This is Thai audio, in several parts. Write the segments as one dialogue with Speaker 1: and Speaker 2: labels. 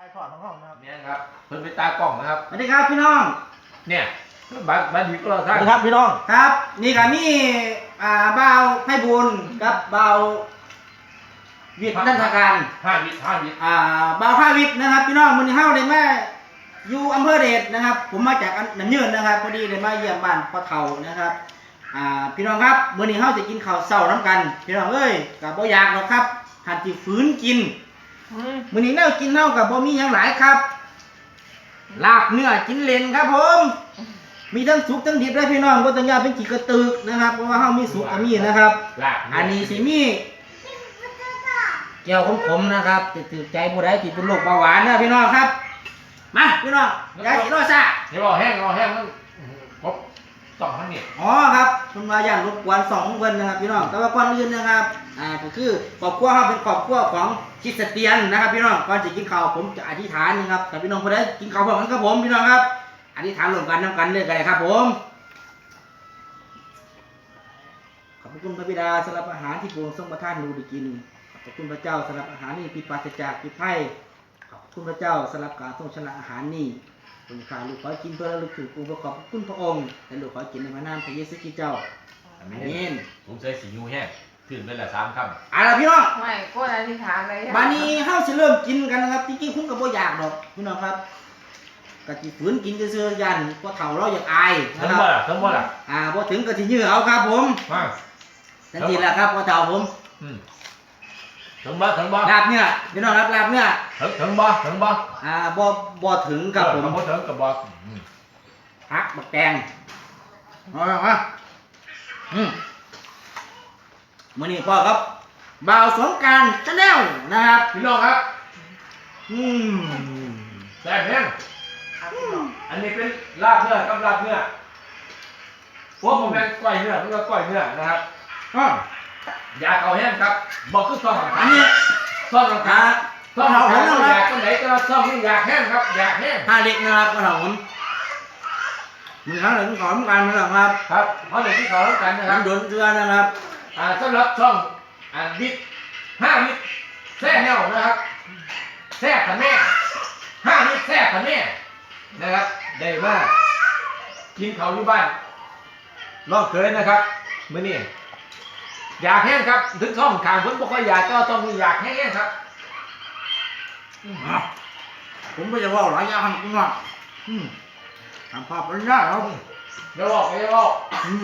Speaker 1: ไอถอดของเขานะครับ
Speaker 2: เนี่ยครับเพิ่นไปตากล้องนะครับ
Speaker 3: สวัสดีครับพี่น้อง
Speaker 2: เนี่ยบัดดีก็เรา
Speaker 1: ส
Speaker 2: ท่า
Speaker 1: วัน สดีครับพี่น้อง
Speaker 3: ครับนี่ก็มีบ่าวไพบุญกับบ่าววิทย์นันทการ
Speaker 2: 5 วิ
Speaker 3: บ่าว5 วิทย์นะครับพี่น้องมื้อนี้เฮาได้มาอยู่อำเภอเดชนะครับผมมาจากน้ำยืนนะครับพอดีได้มาเยี่ยมบ้านพ่อเฒ่านะครับพี่น้องครับมื้อนี้เฮาจะกินข้าวเช้าน้ำกันพี่น้องเอ้ยก็บ่อยากหรอกครับหัดสิฝืนกินมื้อนี้แนวกินเฮาก็บ่มีหยังหลายครับลาบเนื้อกินเล่นครับผมมีทั้งสุกทั้งดิบเลยพี่น้องบ่ต้องย่าเป็นขี้กระตึกนะครับเพราะว่าเฮามีสุกก็มีนะครับอันนี้สิมีแก้วขมๆนะครับจะถือใจผู้ใดที่เป็นโรคเบาหวานนะพี่น้องครับมาพี่น้องอย่าสิรอซ่า
Speaker 2: เดี๋ยวรอแห้งมันครบ2ทั้งนี่
Speaker 3: อ๋อครับคุณว่าย่านรบกวน2เพิ่นนะครับพี่น้องแต่ว่าก่อนอื่นนะครับก็คือครอบครัวเฮาเป็นครอบครัวของคริสเตียนนะครับพี่น้องก่อนสิกินข้าวผมจะอธิษฐานนะครับแต่พี่น้องผู้ใดกินข้าวพร้อมกันครับผมพี่น้องครับอธิษฐานร่วมกันนำกันเลยก็ได้ครับผมขอบคุณพระบิดาสำหรับอาหารที่พระองค์ทรงประทานให้เราได้กินขอบคุณพระเจ้าสำหรับอาหารนี้ที่ปราศจากพิษภัยขอบคุณพระเจ้าสำหรับการทรงชนะอาหารนี้คุณข้าลูกขอกินเพื่อระลึกถึงองค์ประกอบคุณพระองค์และลูกขอกินในพระนามพระเยซูคริสต์เจ้าอาเมน
Speaker 2: ผมใส่สียูแห้งขึ้นเป็นละ3 คำ
Speaker 3: อะไรพี่น้อง
Speaker 4: ไม่ก็อธิษฐานเลย
Speaker 3: บัดนี้เฮาสิเริ่มกินกันนะครับจริงๆคุณก็บ่อยากดอกพี่น้องครับก็สิฝืนกินซื่อๆยันพอเฒ่าเราอยากอาย
Speaker 2: นะครับทั้งหมด
Speaker 3: บ่ถึงก็สิยื้อเอาครับผมจังซี่แหละครับพอเฒ่าผม
Speaker 2: ถึงบ่
Speaker 3: ลาบเนี่ยพี่น้องครับลาบเนี่ย
Speaker 2: ถึงบ่
Speaker 3: บ่ถึงครับผม
Speaker 2: บ่ถึงกับบ่
Speaker 3: ผักบักแตงมามื้อนี้พ่อครับบ่าวสงกรานต์ Channel นะครับ
Speaker 2: พี่น้องครับแซ่บแห้งอันนี้เป็นลาบเนื้อกับลาบเนื้อพวกผมเป็นก้อยเนื้อแล้วก็ก้อยเนื้อนะครับยาเข่าแห้งครับบอกคือซ่อมอันนี้ซ่อมขาซ่อมเข่าแห้งอยากตรงไหนก็ซ่อมนี่อยากแห้งครับอยากแห้ง
Speaker 3: ผ้าเล็กนะครับก็ถผมมีทั้งหนึ่งของกันนะครับ
Speaker 2: ครับเพราะหนึ่งที่เขาต้องกันนะครับ
Speaker 3: โดนเกลือนะครับ
Speaker 2: สำหรับช่องบิด5 วิแซ่แนวนะครับแซ่ขันแม่5 วิแซ่ขันแม่นะครับได้ว่ากินเขาอยู่บ้านลองเคยนะครับมื้อนี้อยากแห้งครับถึงช่องขางผมบ่ค่อยอยากก็ต้องมีอยากแห้งครับ
Speaker 3: ผมไม่จะว่าหลายอย่างครับคุณว่าทำภาพเป็นได้ครับ
Speaker 2: เดี๋ยวบอกเลยเอา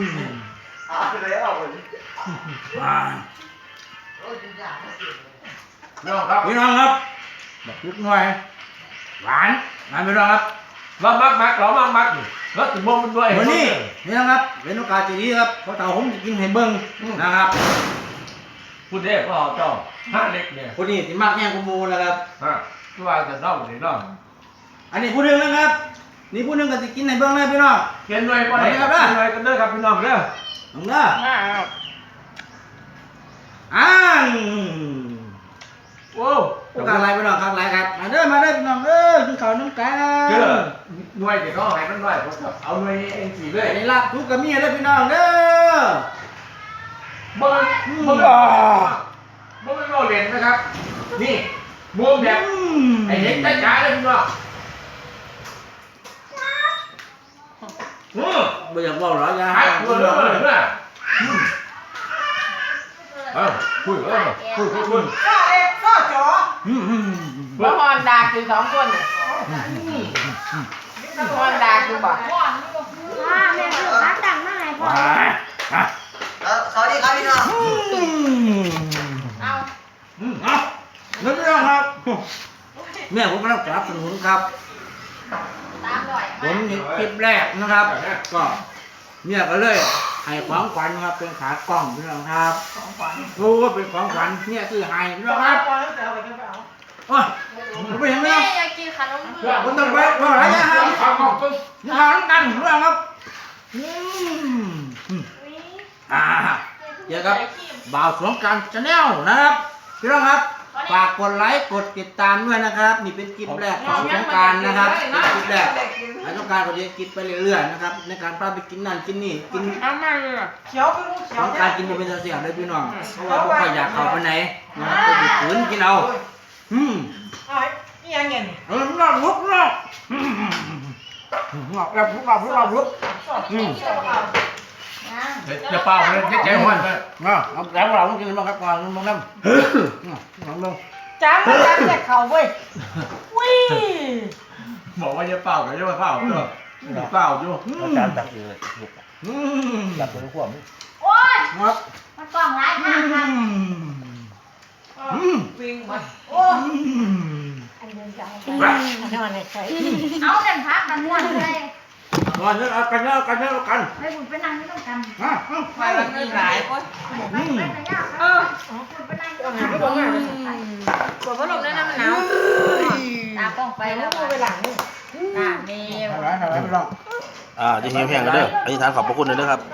Speaker 3: พี่น้องครับพี่น้องครับแบบลึกหน่อยหวานพี่น้องครับ
Speaker 2: เรามักเรามักแล้วถึงบ่มันด้วย
Speaker 3: วันนี้พี่น้องครับเป็นโอกาสดีครับเพราะเต่าผมจะกินให้เบิ้งนะครับ
Speaker 2: พูดได้เพราะเจ้า5 เล็กเนี่ย
Speaker 3: คนนี้สิมากแย่งกุมูนะครับ
Speaker 2: ที่ว่าจะเล่าหรือเล่า
Speaker 3: อันนี้พูดหนึ่งนะครับนี่พูดหนึ่งก็จะกินให้เบิ้งเลยพี่น้อง
Speaker 2: เกินด้วยป่ะเนี่ยกินด้วยกันเด้อครับพี่น้องเด้อ
Speaker 3: น้องเด้อโอ้กางไรพี่น้องกางไรครับมาเด้อพี่น้องกินข้าวน้ำกัน
Speaker 2: หน่วยเดี๋ยวเขาให้มันหน่อยผมครับเอาหน่วยเองสี่เลย
Speaker 3: ในลาบทุกกระมีเลยพี่น้องเด้อ
Speaker 2: มึงเราเรียนนะครับนี่มุมแบบไอ้เห็นจ้าเลยพี่น้อง
Speaker 3: ไม่อยากบอกหรอกนะ
Speaker 2: คุยเลยคุย
Speaker 4: ก็จ๋อบ่ฮอนดาคือ2 คนฮอนดาคือบ่
Speaker 5: แม่คือขาตั้งมาให้พ่อ
Speaker 6: สวัสดีครับพี่น้อง
Speaker 3: นั่นเรื่องครับแม่ผมกำลังสนับสนุนครับผมเห็นคลิปแรกนะครับก็เนี่ยก็เลยให้ของขวัญครับเป็นขากล้องพี่น้องครับรู้ว่าเป็นของขวัญเนี่ยคือให้พี่น้องครับโอ้ยผมไปยังไง
Speaker 5: อยากกินขนมเบื้
Speaker 3: องผมต้องไปรออะไรนะครับทำกันเรื่องครับเดี๋ยวครับบ่าวสงกรานต์ Channel นะครับพี่น้องครับฝากกดไลค์กดติดตามด้วยนะครับนี่เป็นคลิปแรกของสงกรานต์นะครับเป็นคลิปแรกสงกรานต์ก็จะกินไปเรื่อยๆนะครับในการพาไปกินนั่นกินนี่กิน
Speaker 4: เขียวคือเขียว
Speaker 3: สงกรานต์กินเป็นเสียงเลยพี่น้องเพราะว่าพวกใครอยากเข้าไปไหนนะครับก็หยุดฝืนกินเอา
Speaker 4: นี่ยังไงนี่
Speaker 3: นอกลุกนอกลุก
Speaker 4: สอด
Speaker 2: จะเป่าเลยใจห้อนเลย
Speaker 3: เอาแล้วเราต้องกินบ้างครับก่อนน้องน้ำน้อง
Speaker 4: จ้ำแต่เขาเว้ยวิ่ง
Speaker 2: บอกว่าจะเป่าก็จะมาเป่าเถอะเป่าอยู่
Speaker 1: อาจารย์ตักเองเลยลูกตักเป็นขวบ
Speaker 5: โอ๊ย
Speaker 3: ครับ
Speaker 5: มันกล่องร้ายมากครับ
Speaker 4: วิ่งมาโอ้อันเดินจังไปอันนี้มันใส่
Speaker 5: เอาเดินพักมันม่วนเลย
Speaker 3: นอนเอากัน
Speaker 5: ให้บุญไปนั่งไม่ต้องกัน
Speaker 4: ไปมันมีหลายโอ้ย
Speaker 5: ไปแต่ยากครับบุญไปนั่งไม่ต้องกัน
Speaker 4: ก็บอกว่าปวดพัดลมได้นะมันหนาว
Speaker 5: ตากล้องไป
Speaker 4: ไป
Speaker 5: แล้
Speaker 4: แล้ว วไปหลังนี่
Speaker 5: ตาเมว
Speaker 3: ไม่ลอง
Speaker 1: จะหิวแห้งกันเด้ออธิษฐานขอบพระคุณเลยนะครับ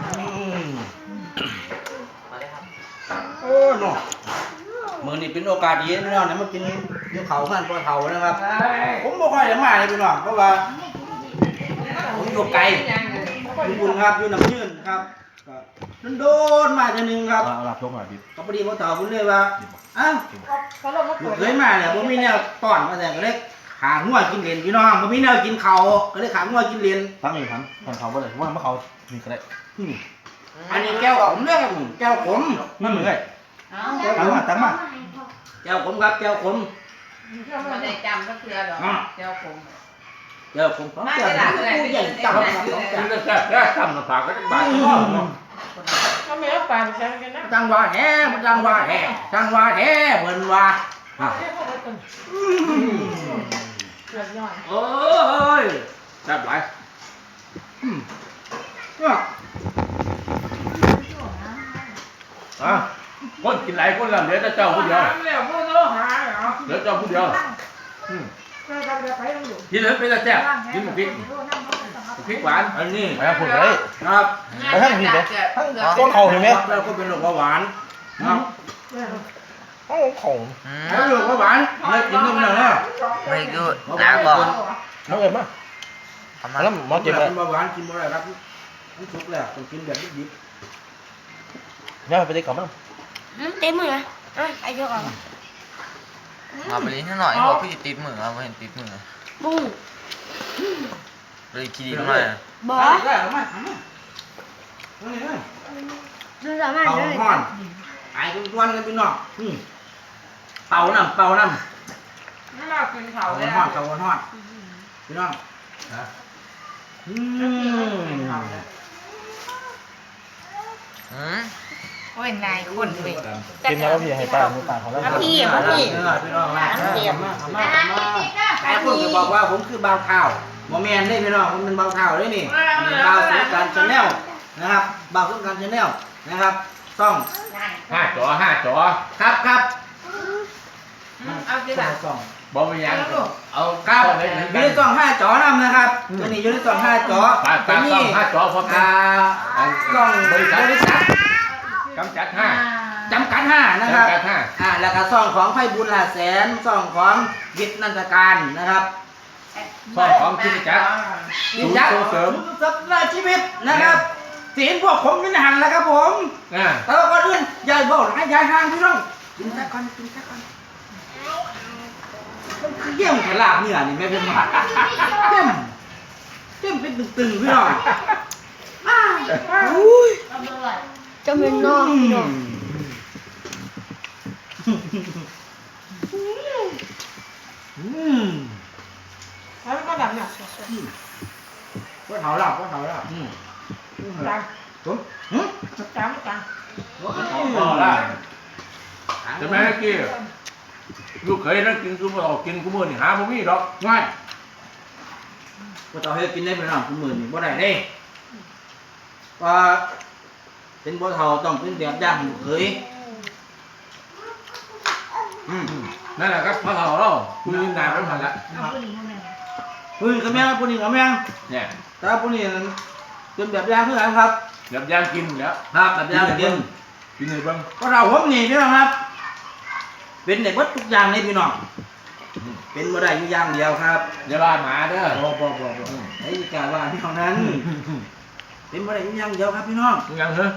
Speaker 3: โอ้เนาะมือนี่เป็นโอกาสดีพี่น้องนะมากินเนื้อเขาท่านปลาเผานะครับ ผมบ่ค่อยได้มาเลยพี่น้องเพราะว่าผมอยู่ไกลอยู่บุญครับอยู่น้ำยืนครับก็โดนมาทีนึงครับ
Speaker 1: เอาหลับชกหน่อยดิ
Speaker 3: ก็พอดีพ่อเฒ่าผมเลยว่าอ้าว
Speaker 4: พัดลมมัน
Speaker 3: ลู
Speaker 4: เปิ
Speaker 3: ก
Speaker 4: ด
Speaker 3: เคยมาเนี่ยผมมีแนวต้อนมาแต่ก็เลยขางัวกินเหรียญพี่น้องผมมีแนวกินเขาก็เลยขางัวกินเหรียญ
Speaker 1: ทั้งนี้ทั้งเขาบ่ได้ว่าเมื่อเขามีก็ได้
Speaker 3: อันนี้แก้วขมเรื่องแก้วขม
Speaker 1: นั่นเหมือนไง
Speaker 3: ตั้งมาแก้วขมครับแก้วขม
Speaker 4: ไม่ได้จำก็คือหรอกเจ้าผม
Speaker 3: แก้วขมของแก้วผู้ใหญ่จำครับของ
Speaker 2: กิน
Speaker 3: จำ
Speaker 2: แล้วแซ่บทำน้ำปลาก็จะบาดคอเนาะ
Speaker 4: ก็ไม่เอาปากใช่กันนะ
Speaker 3: จังว่าแห่จังว่าแห่จังว่าแห่เบิ่นว่า
Speaker 4: เกือบย้อน
Speaker 2: เอ้ยแซ่บหลาย คนกินหลายคนแล้วเหลือแต่เจ้าผู้เดียว
Speaker 4: แล้วพวกโลหะเหรอ
Speaker 2: เหลือเจ้าผู้เดียว
Speaker 4: ก็ทำไปต้องอยู่
Speaker 2: กินเหลือเป็นแต่แซ่บกินหมูพริกพริกหวาน
Speaker 3: อันนี้
Speaker 1: ไปทางคุณเลย
Speaker 3: ครับ
Speaker 1: ไปทางผิดเลยต้นเขาเห็นไหม
Speaker 3: แล้วก็เป็นโรคเบาหวานครับ
Speaker 1: โอ้ของ
Speaker 3: แล้วโรคเบาหวานเลยกินนมแล้วนะ
Speaker 6: ไม่กูลาก่อน
Speaker 1: น้องเอ็มป่ะแล้วหมอเจ็บเลย
Speaker 3: กินเบาหวานกินบ่ได้ครับมันสุกแล้วต้องกินแบบดิบ
Speaker 1: เนี่ยไปได้กลับมั้ง
Speaker 5: เต็มมือนะไอ้ยกออก
Speaker 6: มาไปลิ้นหน่อยบอกพี่ติดมือเราเห็นติดมือ
Speaker 5: บุ้ง
Speaker 6: เลยคิด
Speaker 3: ๆ
Speaker 6: ดีมาก
Speaker 5: บ่
Speaker 3: ได้เอามาเอามาเอาเลย
Speaker 5: ดูสามารถ
Speaker 3: เป่า
Speaker 5: เลย
Speaker 3: ห้อนไอ้ทุกวันกันพี่น้องเป่าน้ำ
Speaker 4: ไม่มากินเขา
Speaker 3: เป่า
Speaker 4: เลย
Speaker 3: ห้อนเป่าห้อนพี่น้อง
Speaker 4: โอ้ยนายคนเว้ย
Speaker 1: กินแล้วพี่ให้ป้าให้ป้าของแล้ว
Speaker 4: พี่
Speaker 3: พี่น้องมาไอ้คนก็บอกว่าผมคือบ่าวเท้าโมเมนได้พี่น้องผมเป็นบ่าวเท้าด้วยนี่บ่าวสงการชาแนลนะครับบ่าวสงการชาแนลนะครับซ่อง
Speaker 2: 5 จอ
Speaker 3: ครับ
Speaker 4: เอาสิล่ะ
Speaker 3: ซ่อง
Speaker 2: บ่มีหยังเอา
Speaker 3: ครับ
Speaker 2: เลย
Speaker 3: อยู่ในซ่อง5 จอนำนะครับตัวนี้อยู่ในซ่อง5 จอ
Speaker 2: ตา
Speaker 3: ตัวนี้
Speaker 2: ต้อง5 จอพร้อมกัน
Speaker 3: ซ่องบริษัท
Speaker 2: กำจัด5
Speaker 3: จำกัด5นะครับ
Speaker 2: จำกัด5
Speaker 3: แล้วก็ซ่องของไพบุญหลาแสนซ่องของวิทย์นันทการนะครับ
Speaker 2: ซ่องของกิจจักร
Speaker 3: ยินยักษ์
Speaker 2: ส่งเสริม
Speaker 3: สัปดาห์ชีวิตนะครับศีลพวกผมเป็นหันแล้วครับผม
Speaker 2: อ่า
Speaker 3: แต่ว่าก่อนอื่นอย่าบอกให้ยายห่างพี่น้องกินแค่ก่อนมันคือเยี่ยมกับลาบเนื้อนี่แม่เป็นมาเยี่ยมเป็นตึงๆพี่น้องอุ้ย
Speaker 5: จะเป็นนอกพี่น้อง
Speaker 4: แล้วก็ดำเนี่ย
Speaker 3: ก็เถาลาบ
Speaker 4: จัง
Speaker 3: ผม
Speaker 4: จังจัง
Speaker 2: อ๋อล่ะจะแม่กี้ลูกเคยนั่งกินกูบ่ออกกินกูมื้อนี่หาบ่มีดอก
Speaker 3: ง่ายก็ต่อให้กินได้พี่น้องคุณหมื่นนี่บ่ได้เด้ว่าเป็นบ่เฒ่าต้องเป็นแบบอย่างเคย
Speaker 2: นั่นแหละครับพ่อเราคุยนานไปหมดแล้ว
Speaker 3: ผู้หญิงกับแม่ผู้หญิงกับแม่
Speaker 2: เนี่ย
Speaker 3: แต่ผู้หญิงเป็นแบบอย่างคือกันครับ
Speaker 2: แบบย่างกินแล้ว
Speaker 3: ครับแบบอย่างกิน
Speaker 2: กินเลยบ้าง
Speaker 3: ก็เราผมนี่พี่น้องครับ เป็นในวัดทุกอย่างเลยพี่น้องเป็นบ่ได้อยู่อย่างเดียวครับ
Speaker 2: อย่าว่าหมาเด้อ
Speaker 3: บ่ไอ้กาว่าพี่น้องนั้น เป็นบ่ได้อยู่อย่างเดียวครับพี่น้อง
Speaker 2: ยังเหรอ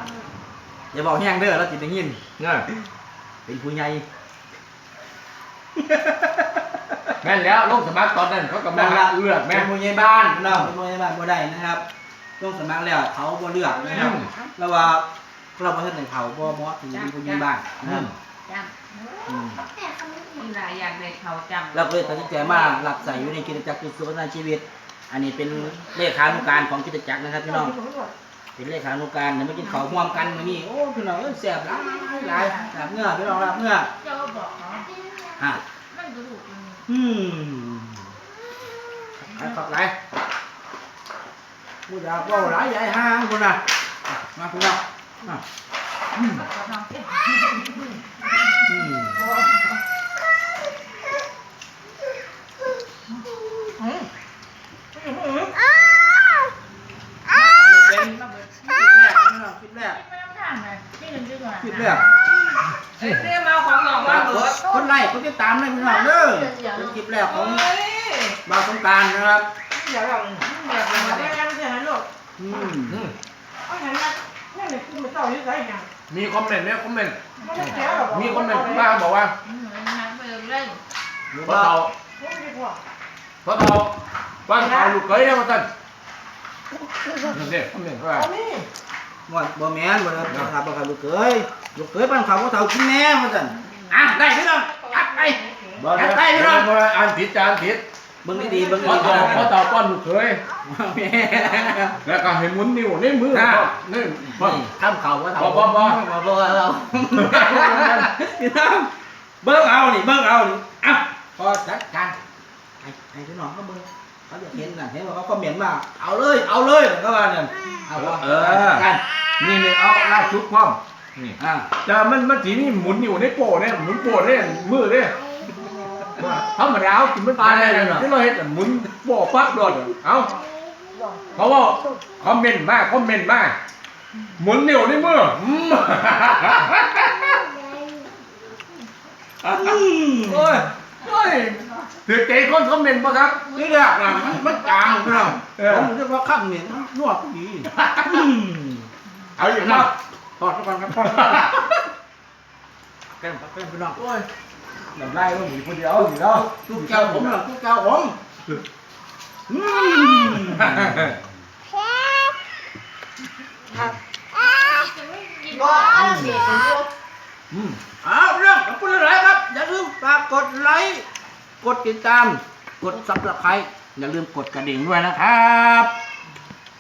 Speaker 3: อย่าบอกแห้งเด้อเราจิตได้ยิน
Speaker 2: เนี่ย
Speaker 3: เป็นผู้ใหญ่
Speaker 2: แม่นแล้วลงสมัครตอนนั้นเขาก็มาเลือก
Speaker 3: แม่
Speaker 2: แม่
Speaker 3: ผู้ใหญ่บ้านพี่น้องเป็นผู้ใหญ่บ้านบ่ได้นะครับลงสมัครแล้วเขาบ่เลือกนะครับแล้วว่าเราบ่ทันได้เขาบ่เหมาะที่เป็นผู้ใหญ่บ้านนะครับ
Speaker 4: จ
Speaker 3: อืม
Speaker 4: ำมีหลายอย่างในเขาจำ
Speaker 3: เราก็เลยตัดสินใจมาหลับใส่อยู่ในกิจจักรคือสุขภาพชีวิต อันนี้เป็นเลขานุการของกิจจักรนะครับพี่น้องเป็นเลขานุการเดี๋ยวมากินข้าวร่วมกันมื้อนี้โอ้พี่น้องแซ่บหลายหลายลาบเนื้อพี่น้องลาบเนื้อ
Speaker 4: เจ้าบอกเขา
Speaker 3: ฮะ
Speaker 4: มันกระดูกมัน
Speaker 3: ขับไหลผู้อยากว่าหลายใหญ่ห้างคนน่ะมาพี่น้องอ่ะ
Speaker 4: เขาทำเอง
Speaker 3: เป็นคลิปแรก
Speaker 4: ไม่ต้องทำเลยนี่หนึ่งดีกว่า
Speaker 3: คลิปแรก
Speaker 4: เรียกมาของหนองว่าเบิร์ด
Speaker 3: คนไล่คนติดตามเลยพี่น้องเด้อเป็นคลิปแรกของบ่าวสงกรานต์นะครับ
Speaker 4: เดี๋ยวเราเดี๋ยวเราได้แล้วไม่ใช่ไหมลูก
Speaker 3: อืม
Speaker 4: เอาเห็นไหมนี่เลยคุณมาต่อที่ไหนอย่าง
Speaker 2: มีคอมเมนต์ไหมคอมเมนต์
Speaker 4: ไม่ได้แก้หรอก
Speaker 2: มีคอมเมนต์บ้างบอกว่า
Speaker 4: น้ำเบิร์ดเล่น
Speaker 2: เพราะเรา
Speaker 4: ไม่ได้พอ
Speaker 2: เพราะเราบ้านเราลูกเขยเนี่ยมาตั้งนี่เด็กคอมเมนต์ว่า
Speaker 4: เอานี่
Speaker 3: บ่แม่นบ่ได้ครับบ่ครับลูกเขยบ้านเขาบ่เฒ่ากินแน่ว่าซั่นอ่ะได้พี่น้องอัดไป
Speaker 2: บ่ได้บ่ได้อ่านผิดจานผิด
Speaker 3: เบิ่งดีๆเบิ่ง
Speaker 2: เพราะ
Speaker 3: ดี
Speaker 2: เต่าป้อนลูกเขย
Speaker 3: แม่
Speaker 2: แล้วก็ให้หมุนนิ้วในมือนี่บ่
Speaker 3: ทำเขาว่าเฒ่า
Speaker 2: บ่
Speaker 3: บ่เอาพี่น้องเบิ่งเอานี่อ่ะพอจัดการให้พี่น้องเขาเบิ่งเขาอยากเห็นน่ะเห็นว่าเขาคอมเมนต์มาเอาเลยก็ว่านั่นเอาว่ากัน
Speaker 2: นี่เอาลากชุดพร้อมนี่
Speaker 3: อ่ะ
Speaker 2: แต่มันสีนี่หมุนอยู่ในโป้เนี่ยหมุนโป้เนี่ยมือเนี่ยธรรมดากินมันตายเลยที่เราเห็นหมุนโป้ปั๊บโดนเอาเพราะว่าคอมเมนต์มากหมุนนิ้วในมือโอ้ยถือใจคนคอมเมนต์ป่ะครับ
Speaker 3: นี่แหละมันจางพี่น้องผมเรียกว่าข้ามเนี่ยนวดดี
Speaker 2: เอาอย่างนั้น
Speaker 3: ทอดก่อนครับแก้มพี่น้อง
Speaker 2: โอ้ยน้ำลายมันหนีคนเดียวอยู่แล้ว
Speaker 3: ทุกแก้วผมทุกแก้วผมเอาเรื่องขอบคุณหลายครับอย่าลืมฝากกดไลค์กดติดตามกดซับสไครต์อย่าลืมกดกระดิ่งด้วยนะครับ